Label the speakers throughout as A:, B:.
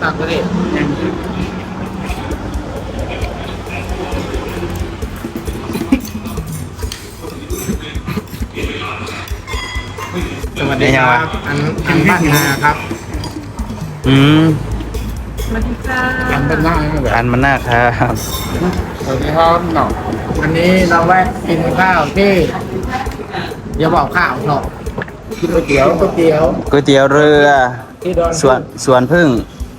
A: ตักก็ได้สวัสดีครับอันบ้านนาครับ
B: อืม
C: สวัสดีค่ะ
A: อันบ้านนาแบบ
B: อันมันน่าครับ
A: สวัสดีครับหนอวันนี้เราแวะกินข้าวที่อย่าบอกข้าวหนอกินก๋วยเตี๋ยว
B: ก๋วยเตี๋ยวเรือ
A: ที่ดอน
B: สวนพึ่ง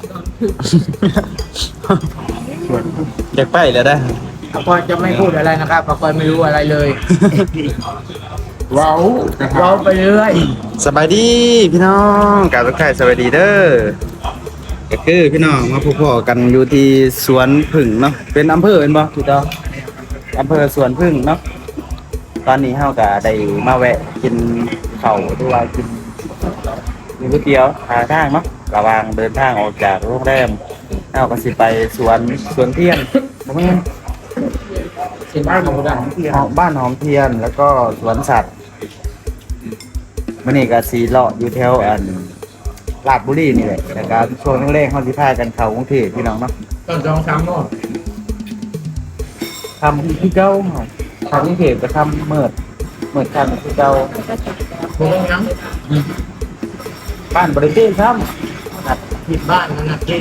B: อยากไปแล้วได้
A: ป้าก้อยจะไม่พูดอะไรนะครับป้าก้อยไม่รู้อะไรเลยว้าวว้าวไปเรื่อย
B: สบายดีพี่น้องกราบทักทายสวัสดีเด้อก็คือพี่น้องมาพบกันอยู่ที่สวนพึ่งเนาะเป็นอำเภอเป็นบ่ถูกต้องอำเภอสวนพึ่งเนาะตอนนี้เฮาก็ได้มาแวะกินข้าวหรือว่ากินก๋วยเตี๋ยวหาทางเนาะระหว่างเดินทางออกจากโรงแรมเฮาก็สิไปสวนเทียนบ่แม่น
A: สิบ้านของเรา
B: บ้านหอมเทียนแล้วก็สวนสัตว์มื้อนี้ก็สีเลาะอยู่แถวลาดบุรีนี่แหละแต่การช่วงแรกๆเฮาสิพากันเข้ากรุงเทพพี่น้องเนาะ
A: ต้น2-3โมง
B: ทำที่เก่าเนาะทำกรุงเทพก็ทำเมิดกันที่เก่า
A: โมงยัง
B: บ้านบ่ได้เต้นซ้ำ
A: ผิดบ้านนั่นนะที่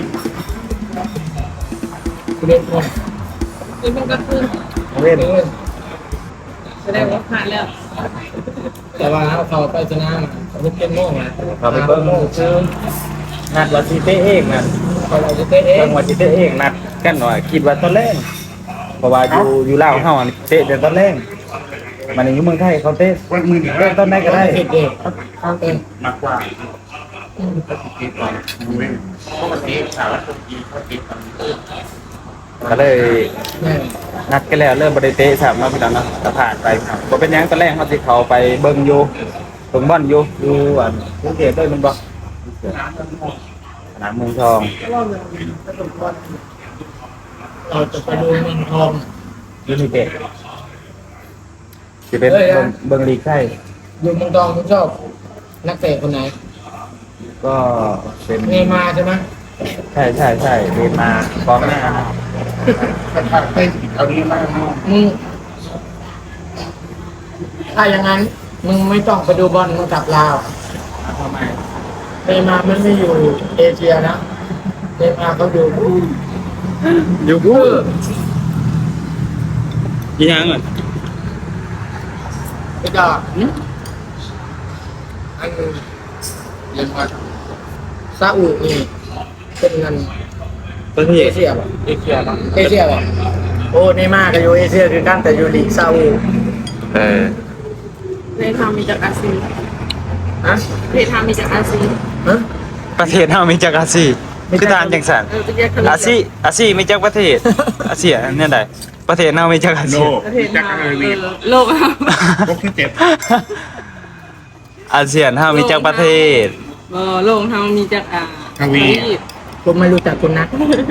A: เล่นคน
C: นี่มันก็คือ
B: เว้น
C: แสดงว่าผ่านแล้ว
A: แต่ว่าเขาไปชนะมันเป็นโม่งนะ
B: เขาไปเบิ่งชื่อนัดว่าสิเตะเองนั่น
A: เขาเราจะเตะเอ
B: เบิ่
A: ง
B: งว่าสิเตะเองนัดกันหน่อยคิดว่าตอนแรกเพราะว่าอยู่ลาวเฮาอะเตะแต่ตอนแรกมันอยู่เมืองไทยเขาเตะตอนไหนก็ได้
A: ผิดเด็กเขาเอง
D: มากกว่าปกติก่อนเว้นปกติสาวคนจีนเขาติดกัน
B: ก็เลย
A: เนี่ย
B: นัดกันแล้วเริ่มบ่ได้เตะ3เนาะพี่น้องเนาะก็ผ่านไปครับบ่เป็นหยังตอนแรกเฮาสิเข้าไปเบิ่งอยู่เบิ่งบอลอยู่กรุงเทพเลยมันบ่สนามเมืองทอง
A: เราจะไปดูเมืองทอง
B: ยูนิเต็ดสิเป็นเบิ่งลีกไทย
A: อยู่เมืองทองคุณชอบนักเตะคนไหน
B: ก็เป็น
A: เนย์มาร์ใช่ไหม
B: ใช่เรียนมากองหน้า
D: ถ้าเต้นเอานี้มาก
A: มึงถ้าอย่างนั้นมึงไม่ต้องไปดูบอลมึงกลับลาว
D: ทำไม
A: เนย์มาร์มันไม่อยู่เอเชียนะเนย์มาร์เขาอยู่
B: อยู่กูยังอ่ะ
A: ไอ้ดอกอัน
D: เรียนว่า
A: ซาอุนี่เป็นเงิน
B: ประเท
A: เอ
B: ศ
A: เชียป่ะ
D: เอเชียมั้ง
A: เอเชียป่ะโอ้เนย์มาร์ก็อยู่เอเชียคือกันแต่อยู่ลีกซาอุ
B: เออ
C: ในทางมีจากอาซี
A: ฮะ
C: ในทางมีจากอาซี
A: ฮะ
B: ประเทศเฮามีจักอาซีคือทานจังสัน
C: จะแยกกัน
B: อาซีมีจักประเทศอาเซียเนี่ยใดประเทศเฮามีจักอา
D: โล
B: ซี
C: ประเทศ
D: จักร
C: เรา
D: วี
C: โลกเรา
D: พวกที่เจ็บ
B: อาเซียนเฮามีจักประเทศ
C: โลกเรามีจาก
A: ผมไม่รู้จักคุณนัท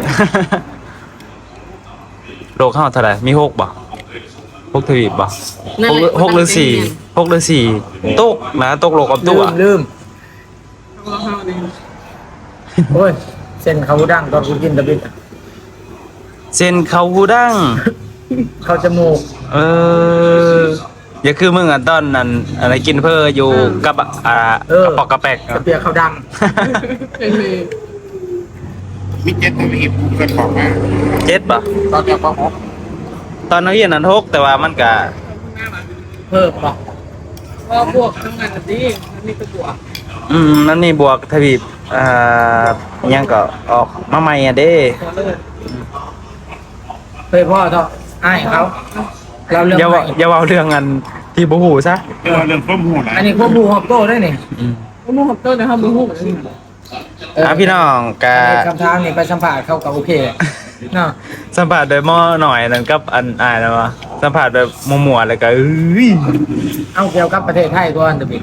B: โลกเฮาเท่าไหร่มี6บ่6ทวีปบ่6หรือ4 6หรือ4ตกนะตกโลกกับตัว
A: ลืม
C: เราเนี่ย
A: โอ้ยเส้นเขาดังตอนกูกินตะบิดอะ
B: เส้นเขาหูดัง
A: เข้าจมูก
B: อย่าคือมึงอ่ะตอนนั้นอะไรกินเพื่ออยู่กับกระปอกกระแปก
A: กระเปียกเขาดัง
C: เป็นเลย
D: มิเจ็ตทวีปเกิดของมา
B: เจ็ดป่ะ
D: ตอนเดียวก็หก
B: ตอนนักเรียนนั้น6แต่ว่ามันก็
A: เพิ่มป่ะ
C: ว่าพวกทั้งนั้นดีมันมีตัวบวก
B: นั่นนี่บวกทวีปยังก็ออกมาใหม่อ่ะเด้
C: ตัวเลิศ
A: เฮ้ยพ่อเถอะไอ้ายเขาเราเรื่อง
B: อย่า
A: ให
B: ว่า
A: ม่
B: อย่าเว้าเรื่องอันที่บ่ฮู้ซะ
D: เรื่องต้มหูนะ
A: อันนี้พวกบูฮอบโต้ได้นี่
C: ว่ามึงขับต้นนะครับมึงหูมัน
B: พี่น้องก็
A: คำถามนี่ไปสัมภาษณ์เขากับโอเคเนาะ
B: สัมภาษณ์โดยหม้อหน่อยนั่นกับอันอายนะวะสัมภาษณ์แบบมั่วๆแล้วก็เอ้ย
A: เอาเกี่ยวกับประเทศไทยก่อนตะบิด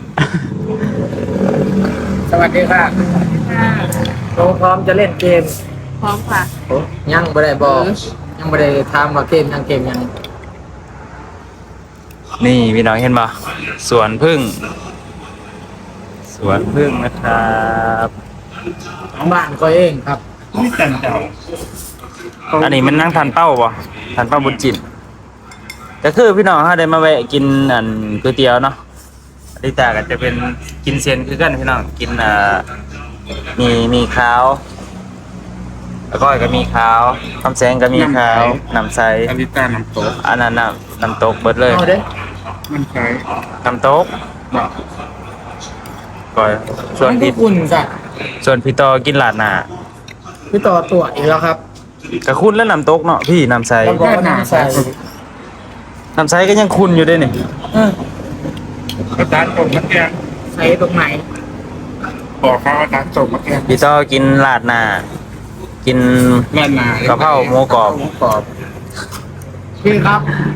A: สวัสดีค่ะโตพร้อมจะเล่นเกม
C: พร้อมค่ะ
A: ยังไม่ได้บอกยังไม่ได้ถามว่าเกมยังเกมยัง
B: นี่พี่น้องเห็นป่ะสวนพึ่งสวนพึ่งนะครับ
A: ของบ้านก็เองครับ
D: นี่จันเจ้า
B: อันนี้มันนั่งทานเป้าบ่ทานเป้าบุญจิตก็คือพี่น้องเขาได้มาแวะกินอันก๋วยเตี๋ยวเนาะอลิตาก็จะเป็นกินเซียนคือกันพี่น้องกินมีข้าวแล้วก็มีข้าวคำแสงก็มีข้าวน้ำใส
D: อลิตาน้ำตก
B: อันนั้นน้ำตกเบิดเลย
A: เอาเด้
D: มันใช้
B: น้ำตก
D: บอก
B: ก่อยส่วน
A: มัน
B: พี่
A: ก็อุ่นจ้ะ
B: ส่วนพี่ต่อกินลาดหน้า
A: พี่ต่อตัวอีกแล้วครับ
B: ก็คุณแล้วน้ำตกเนาะพี่น้ำใส
A: แล้วก็น้ำใส่
B: น้ำใสก็ยังคุณอยู่ด้วยนี่
D: อาจารย์ส่งมาแกง
A: ใส่ตรงไหน
D: บอกเขาอาจารย์ส่งมาแกง
B: พี่ต่อกินลาดหน้ากิน
D: แม่นาก
B: ะเพราหมูกรอบ
D: หมูกรอบ
A: พี่ครับ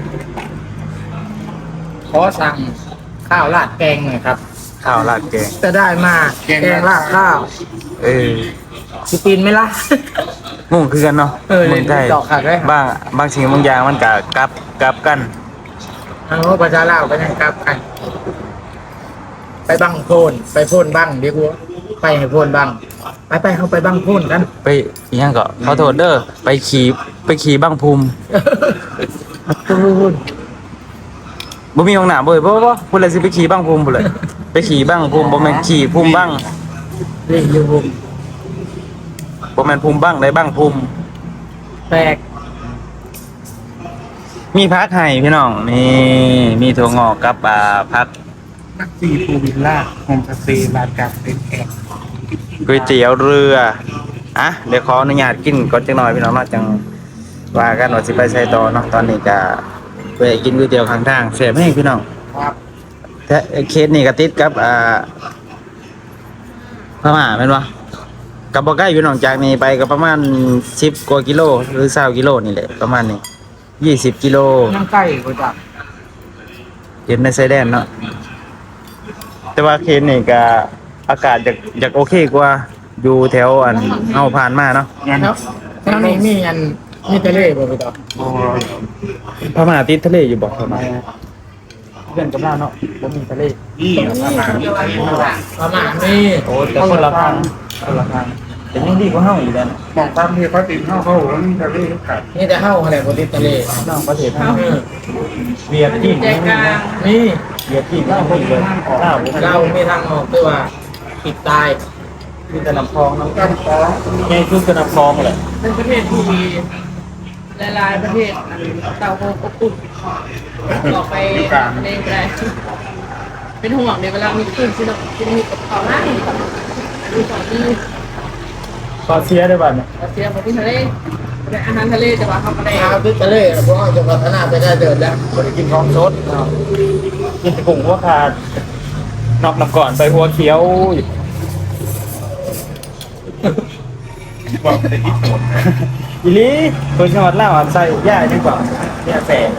A: ขอสั่งข้าวราดแกงหน่อยครับ
B: ข้าวราดแกง
A: จะได้มาแกงราดข้าว
B: เออ
A: สิปีนไหมล่ะ
B: งงคือกันเนาะ
A: เออ
B: เมืองไทย
A: ดอกขาดได้ครับ
B: บางสิ่งบางอย่างมันก็กลับกัน
A: ทางโลกประชาลาวไปยังกลับกัน ไปบังโพนไปโพนบังดีกว่าไปให้โพนบังไปเขาไปบังโพนกัน
B: ไปอีหยังก็ขอโทษเด้อไปขี่บ้างภูมิบ่มีห้องน้ำบ่เว้ยบ่พุ่นเลยสิไปขี่บ้างภูมิพุ่นเลยไปขี่บ้างภูมิบ่แม่นขี่ภูมิบ้าง
A: เรียกอยู่ผม
B: บ่แม่นภูมิบ้างได้บ้างภูมิ
A: แปลก
B: มีพักให้พี่น้องนี่มีถั่วงอกกับผัก
D: นักซีฟูวิลล่าโฮมสเตย์ลานกลางเป็นแขก
B: ก๋วยเตี๋ยวเรืออ่ะเดี๋ยวขออนุญาตกินก่อนจังหน่อยพี่น้องเนาะจังว่ากันว่าสิไปใช้ต่อเนาะตอนนี้ก็ไปกินก๋วยเตี๋ยวข้างทางแซ่บแห้งพี่น้อง
A: ครับ
B: แต่เคสนี่ก็ติดกับพม่าแม่นบ่กับบ่ใกล้พี่น้องจากนี้ไปก็ประมาณ10กว่ากิโลหรือ20กิโลนี่แหละประมาณนี้20กิโล
A: นั่งใกล้กว่าจับ
B: เห็นในชายแดนเนาะแต่ว่าเคสนี่ก็อากาศอยากโอเคกว่าอยู่แถวอันเฮาผ่านมาเนาะ
D: งั้น
A: แล้วแล้วนี่มีอันมีทะเลบ่พี่ต่อ
D: โอ้ย
B: พม่าติดทะเลอยู่บ่พม่าเพื่อนกับเราเนาะบ่มีทะเล
D: นี่ประมาณนี้
A: ประมาณนี้
B: โอ้แต่คนละทางแต่ยังดีกว่าเฮาอีกแล้วนะ
D: มองตามที่เขาติดเข้าแล้วนี่จะเรียกขาด
A: นี่จะเข้าอะไรบนทะเล
B: นอกประเทศเฮา
A: เออ
B: เวียดจีน
C: ใจกลาง
A: นี่
B: เวียดจีนเล่าบ่เลยเล่าบ่
A: เราไม่ทางออกด้วยว่าปิดตาย
B: มีแต่น้ำคลองเนาะ
D: กันฟ้อง
B: ใหญ่สุดก็น้ำคลองแหละ
C: เป็นประเทศที่มีหลายๆประเทศเต่าโฮอบอุ่นออกไปเล่นไปได้เป็นห่วงในเวลามีคลื่นที่เราจะมีกับเขาหน้าดูสองที่
B: ก็เสียได้บัดเนี่ย
C: เราเสียมาที่ทะเลแต่อาหารทะเลแต่ว่าเขาไม่ได้
A: ข้าวที่ทะเลพวกเราจะพัฒนาไปได้เดินแล้ว
B: บ่ได้กินของสดเนาะกินแต่กุ้งหัวขาดนอกน้ำก่อนไปหัวเขียวอยู่
D: บอกแต่ที่โสด
B: อีหลีคนจังหวัดลาวอันใส่ย่าจังกว่าเนี่ยแสน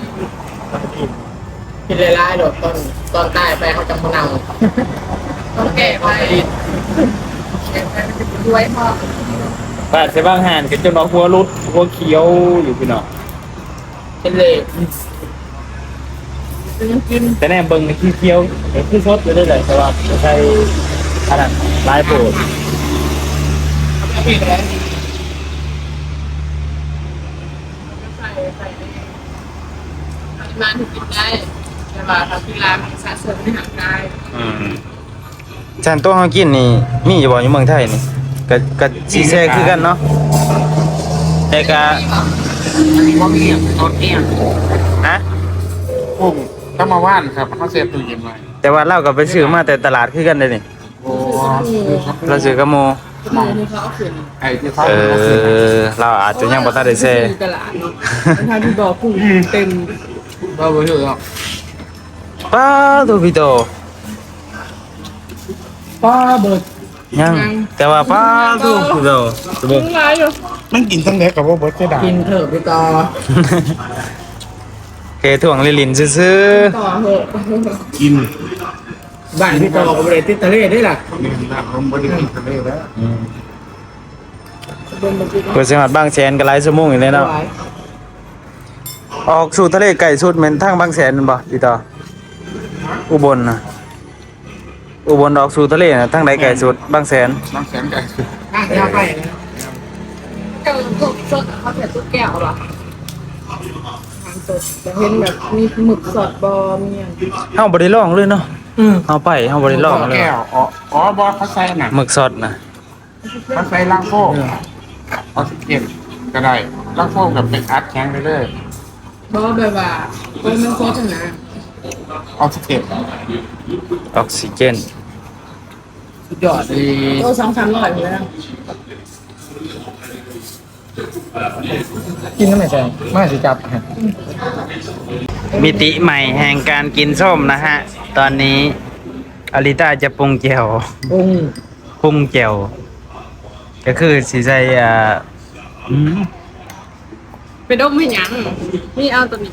A: กินหลายๆโดดตอนใต้ไปเขาจะมานั่ง
C: ต้องแก้ไปแก้ไปมันจะรวยพอบ
B: าดใส่บางหานก็จนว่าหัวรุดหัวเขียวอยู่พี่น้อง
A: เป็นเล
C: ซื้อกิน
B: แต่แน่เบิ่งในขี้เขียวเห็นคือสดอยู่ได้เลยแต่ว่าใส่อันนั้นลายโปรด
A: พี่แก
C: ใส่ปริมาณถึงกินได้แต่ว่าทำที่ร้านมันสะสมในห่างกาย
B: จานโต๊ะเฮากินนี่มีอยู่บ่อยู่เมืองไทยนี่ก็สิแซ่คือกันเนาะแต่ก็
A: อันนี้ว่ามีตอนนี้
B: ฮะ
D: กุ้งต้องมาว่านครับเขาเสียตู้เย็นไว้
B: แต่ว่าเราก็ไปซื้อมาแต่ตลาดคือกันเด้นี่
D: โอ้
B: เราซื้อกับหมู่
C: มองที่เขาเอาขึ้น
D: ไอ้ที่เขา
B: เราอาจจะยังบ่ทันได้แซ่
C: ตลาดเนาะทางที่บอกกุ้งเต็ม
A: เราไปถือหรอก
B: ป้าตัวพี่โต
A: ป้าเบิด
B: ยังแต่ว่าป้าตัวพี่โตตัวเบิ่ง
C: กุ้งลายอยู่
D: มันกินทั้งเล็กกับว่าเบิร์ดเสียดาย
A: กินเถอะพี่ต่อ
B: เคถ่วงลินๆซื่อ
C: ต่อเหอะ
D: กิน
A: บ้านพี่ต่อกับเลยติดทะเลได้ล่ะ
D: นี่นะผมไม่ได้กินทะเลแล้ว
B: ๆเพิ่นสิฮอดบางแสนก็หลายชั่วโมงอยู่เลยเนาะออกสู่ทะเลไกลสุดแม่นทางบางแสนนั่นบ่พี่ต่ออุบลน่ะอุบลออกสู่ทะเลน่ะทางใดไกลสุดบางแสน
D: น้ำแสนไก่สุด
A: ข้างยาไปนะ
C: เกินพวกสดเขาใส่ตุ๊กแก้วหรอทานสดจะเห็นแบบมีหมึกสดบอมีอย่าง
B: เฮาบ่ได้ลองเลยเนาะเฮาบ่ได้ลองเลย
D: แก้วอ๋อบอสเขาใส่น่ะ
B: หมึกสดน่ะ
D: เขาใส่ล่างโฟมออกซิเจนก็ได้ล่างโฟมกับเป็นอัดแข็งไปเลย
C: เพราะว่าแบบว่าโอ้ยมันโคตรนะ
D: ออกซิเจน
B: ออกซิเจน
A: สุดยอดเลย
C: โอ้200-300อยู่แล้ว
A: กินน้ำไม่ใช่ไม่สิจับ
B: มิติใหม่แห่งการกินส้มนะฮะ ตอนนี้อลิต้าจะปรุงแจ่ว
A: ปรุง
B: ปรุงแจ่วก็คือสิใส่
C: ไปดมให้หยังนี่เอาตัวนี้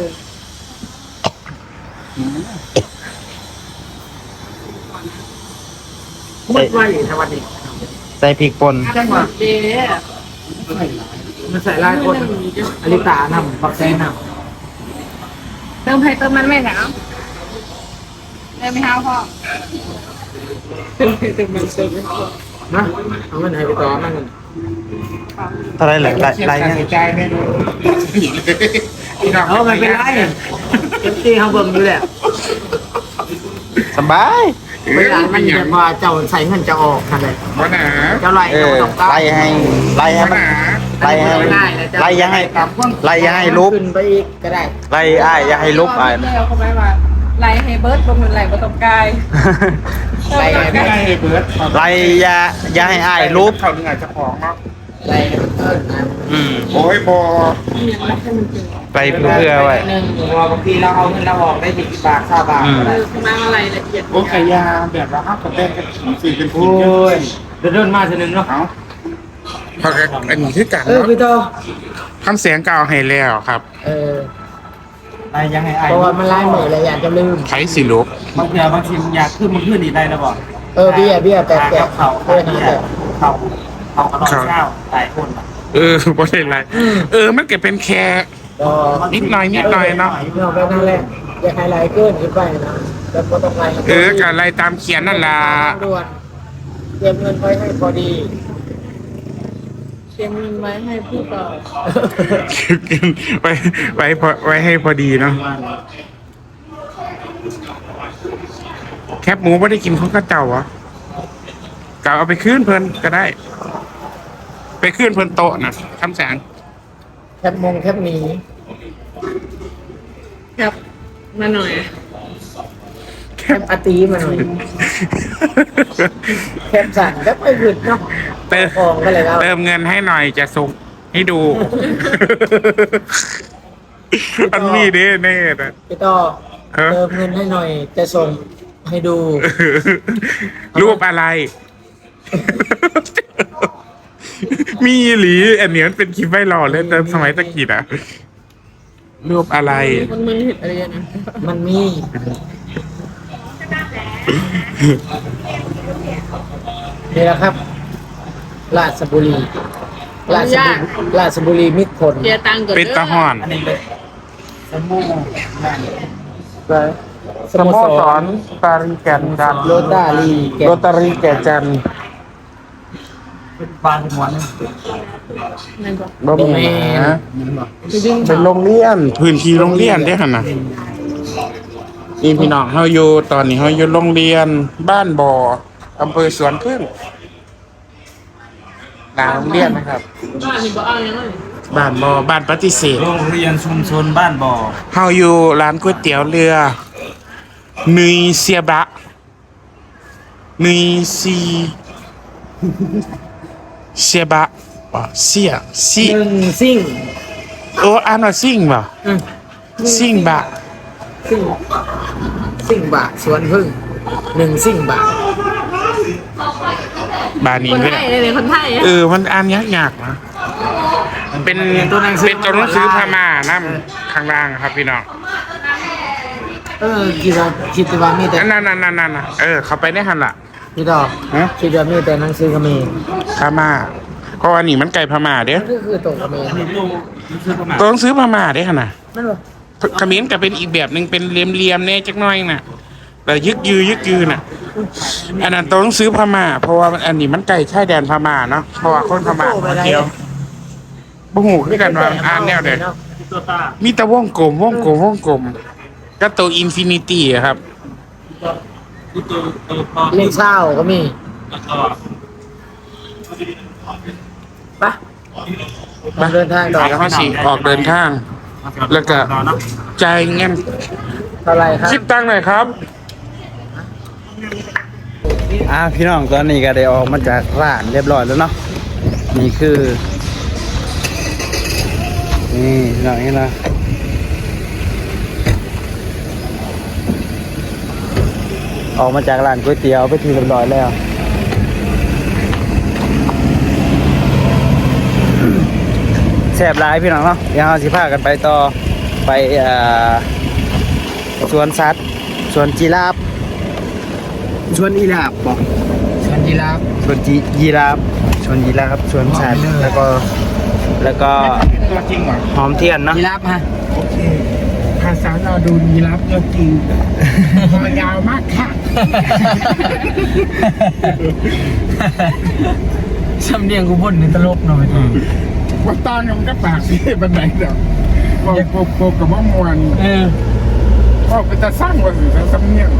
A: มุดไว้ในวันนี้
B: ใส่พริกป่น
C: จังหวะเจ๊
A: มันใส่ลายคนอลิตานำปักแซน
C: เติมให้เติมมันไม่หนาวเติมไม่ห้าวพ่อเติมให้เติมมันเติมไม่พอ
A: ำนะเอามันให้ไปต่อมัน
B: เท่าไรเหรอไรเนี่ย
D: ใจไม่รู้พี่น้อง
A: เอามันเป็นไรเต็มที่เขาเบิ่งอยู่แหละ
B: สบาย
A: เวลามันแบบว่าเจ้าใส่เงินจะออกนั่นแหละ
D: ว่าหนา
A: เจ้าไร
B: เอ
A: เจ้า
B: อ
A: ต้องการ
B: ไล่ให้มันไล่ยังให้ลุบ
A: ขึ้นไปอีกก็ได้
B: ไล่อ้ายอย่าให้ลุบอ้าย
C: เเขาไม่ว่าไล่ให้เบิร์ดบนมันไล่บนตรงกาย
A: ไล่ให้
D: ไม่ได้เลยเบิร์ด
B: ไล่อย่าให้อ้ายลุบ
D: เขาเหนื่อยจะของเนาะ
A: ไล่ให้มันเกินนะ
D: โอ้ยบอ
C: ยังไม่ให้มันเจอ
B: ไปเพื่อไว้
A: หนึ่งบางทีเราเอาเงินเราออกได้10 บาท20 บาทก็ได้
C: คือมาอะไรละเอียด
D: โอ้ไก่ยาแบบว่าห้ามกับแป้งกันสีเป็นสี
A: โอ้ยเดินมาทีนึงเนาะ
D: เอาพอกันอันนี้คือกัน
A: เออ
D: เนาะ
A: พี่โต
D: คำเสียงเก่าให้แล้วครับ
A: เออ
B: ไล่ยังให้อ้าย
A: เพราะว่ามันไล่เหมือนอะไรอยากจะลืม
D: ไขสีลุก
B: บางทีอยากขึ้นมันขึ้นอีกได้แล้วบ่
A: เออเบี้ยแปะเขาเออนะแต่
B: เขากระดองเช้าหลายคน
D: บ่ได้ไรมันก็เป็นแค่
A: ก็
D: นิดหน่อยเนาะ
A: เราไปนั่นแหละอย่าให้ไล่เกินขึ้นไปนะแล้วก็ต้องไล่
D: กับอะไรตามเขียนนั่นล่ะ
A: ด่วนเตรียมเงินไว้ให้พอดี
C: เตรียมเงินไว้ให้ผู้เก่า
D: ไว้ให้พอดีเนาะแคบหมูไม่ได้กินเขาก็เจ้าเหรอเก่าเอาไปคืนเพิ่นก็ได้ ไปคืนเพิ่นโต๊ะนะคำแสง
A: แคบหนี
C: ครับมาหน่อย
A: แคบอาตีมาหน่อยแคบสั่นก็ไปหยุดเนาะ
D: เติม
A: ของก็เลยแล้ว
D: เติมเงินให้หน่อยจะส่งให้ดู อันมีเด้แน่นะ
A: พี่ต่อ
D: ฮะ
A: เติมเงินให้หน่อย จะส่งให้ดู
D: รูปอะไร มีหรืออันเนี้ยมันเป็นคลิปไวรัลเล่นแต่สมัยตะกี้อะรูปอะไร
C: มันมึนเห็ดอะไรนะ
A: มันมีนี่แหละครับ ราชบุรีราชบุรีมิตรผล
C: เดียตังค์ก่อน
D: เป็นตะหอน
B: สมู
A: สโมสร
D: ปารีแก่นจัน
A: โรตารีแก
D: โรตารีแก่จัน
B: บางหมวน
C: นั่นก็
D: บ่มีนะ
C: คือดึง
D: เป็นโรงเรียนพื้นที่โรงเรียนได้ขนาดนี่พี่น้องเฮาอยู่ตอนนี้เฮาอยู่โรงเรียนบ้านบ่ออำเภอสวนพึ่งหน้าโรงเรียนนะครับ
C: บ้านนี่บ่เอายังไง
D: บ้านบ่อบ้านปฏิเสธ
B: โรงเรียนชุมชนบ้านบ่อ
D: เฮาอยู่ร้านก๋วยเตี๋ยวเรือนุยเซียบะนุยซีเซียบะเสียซี
A: หนึ่งซิ่ง
D: โอ้อ่านว่าซิ่งบ่ซิ่งบะ
A: ซิ่งบาทสวนพึ่งหนึ่งซิ่งบาท
D: บ้านนี้
C: คน
D: เด้
C: ไทยเลยคนไทย
D: มันอ่านยากๆนะเป็นตัวหนังสือพม่านํข้างล่างครับพี่น้อง
A: คิดว่ามีแต่
D: นั่นเข้าไปได้หั่นล่ะ
A: พี่ดอก
D: ฮะ
A: คิดว่ามีแต่หนังสือเขมร
D: พม่าก็อันนี้มันไก่พม่าเด้อ
A: ก็คือตกเขมร
D: ตัวหนังสือพม่าเด้อหั่นน่ะ
A: นั่นหรอ
D: เขมรก็เป็นอีกแบบหนึงเป็นเหลี่ยมๆแน่จักหน่อยน่ะแต่ยึกยือน่ะอันนั้นตัวหนังสือพม่าเพราะว่าอันนี้มันไก่ชายแดนพม่าเนาะเพราะว่าคนพม่ามาเที่ยวบ่หูคือกันว่าอ่านแนวใดมีแต่วงกลมก็ตัวอินฟินิตี้อะครับ
A: เลขเศร้าก็มีไปมาเดินทางต่อ
D: แล้วก็สิออกเดินทาง แล้วก็จ่ายเงิน
A: เท่าไหรครับ
D: คิดตังค์หน่อยครับ
B: พี่น้องตอนนี้ก็ได้ออกมาจากร้านเรียบร้อยแล้วเนาะนี่คือนี่พี่น้องนี่นะออกมาจากร้านก๋วยเตี๋ยวไปที่เรียบร้อยแล้วแซ่บหลายพี่น้องเนาะเดี๋ยวเราสิพากันไปต่อไปสวนสัตว์สวนจีราฟสวนอีราฟบอก
A: สวนยีราฟ
B: สวนยีราฟสวนยีราฟสวนสัตว์แล้วก็
D: ตัวจริงเหรอ
B: หอมเทียนเนาะ
A: ยีราฟฮะ
D: โอเคภาษาเราดูยีรับตัวจริงมันยาวมากค่ะ
A: สำเนียงกูบ่นในตลกหน่อย
D: ว่าตอนนี้มันก็ปากสิบันไดเดี๋ยวโปกับว่ามวนก็ไปจะสร้างวันหรือจะสำเนียง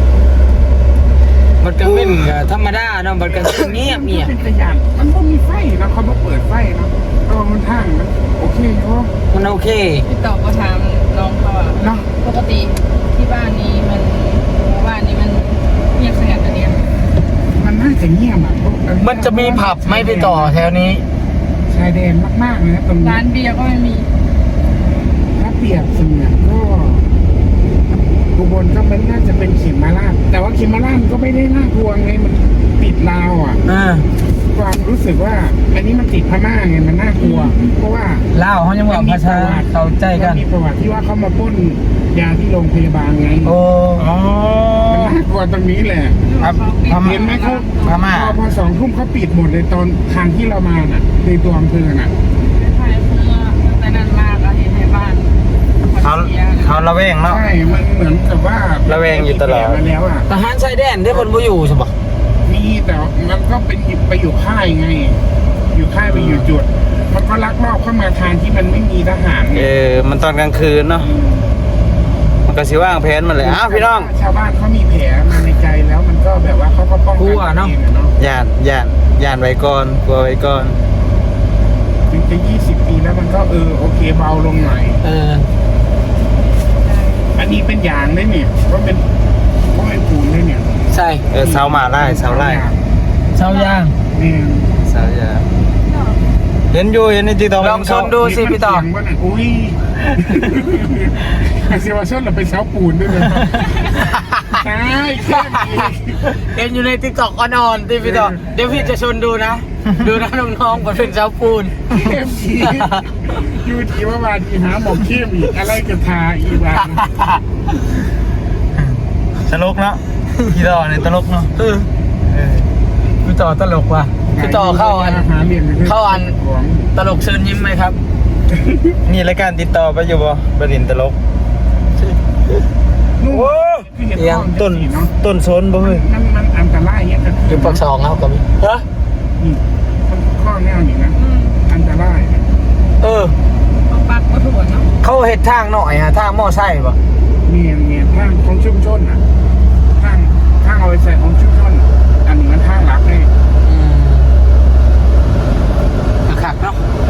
A: มันก็เป็นธรรมดาเนาะมันก็เงียบ
D: เป็นตะยานมันก็มีไฟนะเขามาเปิดไฟนะก็มันทางมันโอเคเพราะ
A: มันโอเค
C: พี่ต่อก็ถามน้องเขาอะ
D: เนาะ
C: ปกติที่บ้านนี้มันหมู่บ้านนี้มันเงียบสงัดอันเนี้ย
D: มันน่าจะเงียบอ่ะ
A: มันจะมีผับไหมพี่ต่อแถวนี้
D: ชายแดนมากๆเลยนะตรงนี้
C: ร้านเบียร์ก็ไม่มี
D: ถ้าเปรียบเสมือนก็อุบลก็มันน่าจะเป็นเข็มมาราชแต่ว่าเข็มมาราชก็ไม่ได้น่ากลัวไงมันติดลาวอ่ะ ความรู้สึกว่าอันนี้มันติดพม่าไงมันน่ากลัว เพราะว่า
A: เล่าเขายังบอกภาษาเข้าใจกัน
D: มีประวัติที่ว่าเขามาปล้นยาที่โรงพยาบาลไง
A: โอ้
D: มันน่ากลัวตรงนี้แหละ
B: ครับ
D: เห็นไหมเขา
B: พม่า
D: พอ2 ทุ่มเขาปิดหมดเลยตอนทางที่เรามาน่ะในตัวอำเภอน่ะ
C: ใช่เมื่อตั้งแต่นั้นมากอะเห็นในบ้าน
B: เขาระแวงเนาะ
D: ใช่มันเหมือนกับว่า
B: ระแวงอยู่ตลอด
D: มาแล้วอ่ะ
A: ทหารชายแดนได้คนบ่อยู่ใช่ปะ
D: มีแต่มันก็เป็นไปอยู่ค่ายไง อยู่ค่ายไปอยู่จุด มันก็ลักลอบเข้ามาทางที่มันไม่มีทหารไง
B: มันตอนกลางคืนเนาะมันก็สิว่างแผนมันเลยอ้าวพี่น้อง
D: ชาวบ้านเขามีแผลมาในใจแล้วมันก็แบบว่าเขาก็ป้องกันตัวเองอะเนาะ
B: ย่านไว้ก่อนกลัวไว้ก่อน
D: ถึงจะ20 ปีแล้วมันก็โอเคเบาลงหน่อย อันนี้เป็นยางเลยเนี่ยก็เป็นปูนเลยเนี่ย
A: ใช่
B: เสามาไล่เสาไล่
A: เช้าย่าง
D: เนี่ย
B: เสาอย่าเห็นในติ๊กต็อก
A: ลองชมดูสิพี่ต่อ
D: มีคนเถียงว่าน่ะอุ้ยไอเซวาชั่นเราเป็นเสาปูนด้วยเลยใช่แค่นี้
A: เห็นอยู่ในติ๊กต็อกอ่อนๆที่พี่ต่อเดี๋ยวพี่จะชวนดูนะ ดูนะน้องๆมันเป็นเช้าปูน
D: เข้มอีกอยู่ที่ว่าบาทีหาหมอกเข้มอีกอะไรกันทาอีกบ้าง
B: ตลกเนาะพี่ต่อในตลกเนาะ
A: พี่ต่อตลกว่ะพี่ต่อเข้าอัน
D: หาเรียนไปรื่ย
A: เข้าอัน ตลกเชิญยิ้มไหมครับ
B: นี่รายการติดต่อไปอยู่บ่บดินตลก
D: โอ้เอียง
B: ต้นโซนบ่เฮ้ย
D: มันอันตรายเนี่ยกัน
A: อยู่ปากซองครับกับฮะ
D: มันข้อแนวอย่างนั้นอันตราย
C: เขาปักก็ถั่วเนาะ
A: เขาเห็ดทางหน่อยฮะทางหม้อไส้ปะ
D: เมียทางของชุมชนอ่ะทางเอาไปใส่ของชุมชนอันนี้มันทางหลักเลย
A: ขักเนาะ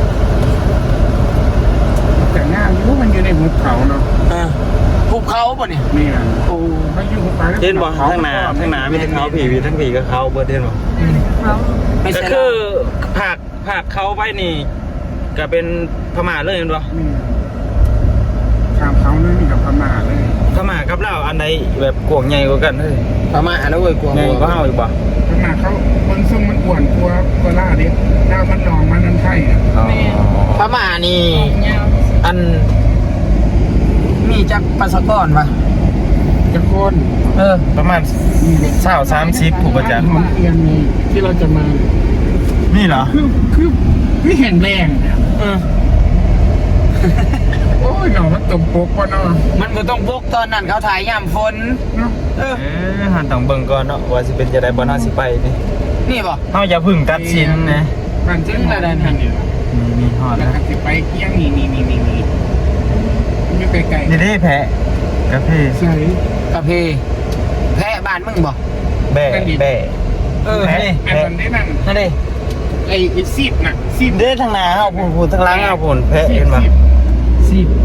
D: แต่งานรู้มันอยู่ในหุบเขาเนาะ
A: ภูเขาปะเนี่ย
D: นี่นะโอ้ไม่อยู่หุบเขา
B: เห็นบ่ทั้งหน้ามีทั้งเขาผีมีทั้งผีกับเขาเบิดเห็นบ่
C: เขา
A: ไม่
B: ก็
A: ใช่
B: คือภาคเขาไปนี่ก็เป็นพม่าเลยเห็นบ่
D: ทางเขาเลยนี่กับพม่าเลย
B: พม่ากับลาวอันใดแบบกว้างใหญ่กว่ากันเฮ้ย
A: ประมาณแล้วเว้ยกลัว
B: ใหญ่กว่าเฮาอีกบ่
D: พม่าเขาคนทรงมันอ้วนกว่าล่าเด็กดาวมันหนองมันนั่นไทยอ่ะ
A: พม่านี่
C: ยาว
A: อันมีจักปัสสกรปะ
D: จะโคน
B: ประมาณ20-30ผู้ประจักษ์
D: หอมเทียนนี่ที่เราจะมา
B: นี่เหรอ
D: คือแห่งแรงเนี่ยโอ้ยหนอมันตบปกว่ะเนาะ
A: มันก็ต้องพกตอนนั้นเขาถ่ายยามฝน
D: เนาะ
B: หันต้องเบิ่งก่อนเนาะว่าสิเป็นจะได้บ่น่าสิไปนี่
A: นี่ปะ
B: เฮาอย่าพึ่งตัดสินนะ
D: มันเจ๊งอะไรนั่นเนี่ย
B: นี่ฮอด
D: แล้ว
B: นะ
D: ก็จะไปเกี้ยงนี่ไม่ไกล
B: นี่ได้แพะกาแฟ
D: ๆใช่
A: กาแฟแพะบ้านมึงบ่
B: แบ่แบ่
A: แพะ
D: อันนั้นได้นั่น
A: นั่นดิ
D: ไอ้ซีบน่ะซีบ
B: เด้ทางหน้าเอาพูนทางหลังเอาพูนแพะเห็นบ่
A: สิบ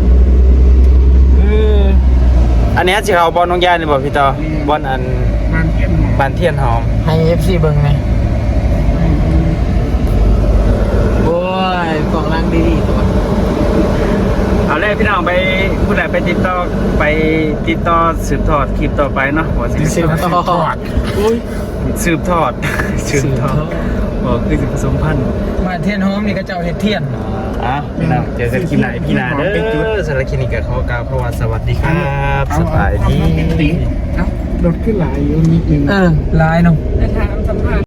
B: อันนี้สิเขาบอลน้องยานี่บ่พี่ต่อบอลอัน
D: มันเทียนหมอ
B: บ้านเทียนหอม
A: ให้ FC เบิ่งไหมโอ้ยกล่องล่างดีๆตัว
B: เอาเลยพี่น้องไปผู้ใดไปติดต่อสืบทอดคลิปต่อไปเนาะว่าสิ
A: สืบทอด
B: สืบทอดบอกคือสิผสมพันธุ์
A: มาเทียนหอมนี่ก็เจ้าเฮ็ดเทียน
B: อ่ะพี่น้องเจอกันคลิปไหนพี่นาเด้อสำหรับคลิปนี้ก็ขอกล่าวเพราะว่าสวัสดีครับสบายดี
D: เอ้ารถขึ้นหลายอยู่นิดนึง
A: ลายเนาะ
C: แต่ถามสัมภาษณ์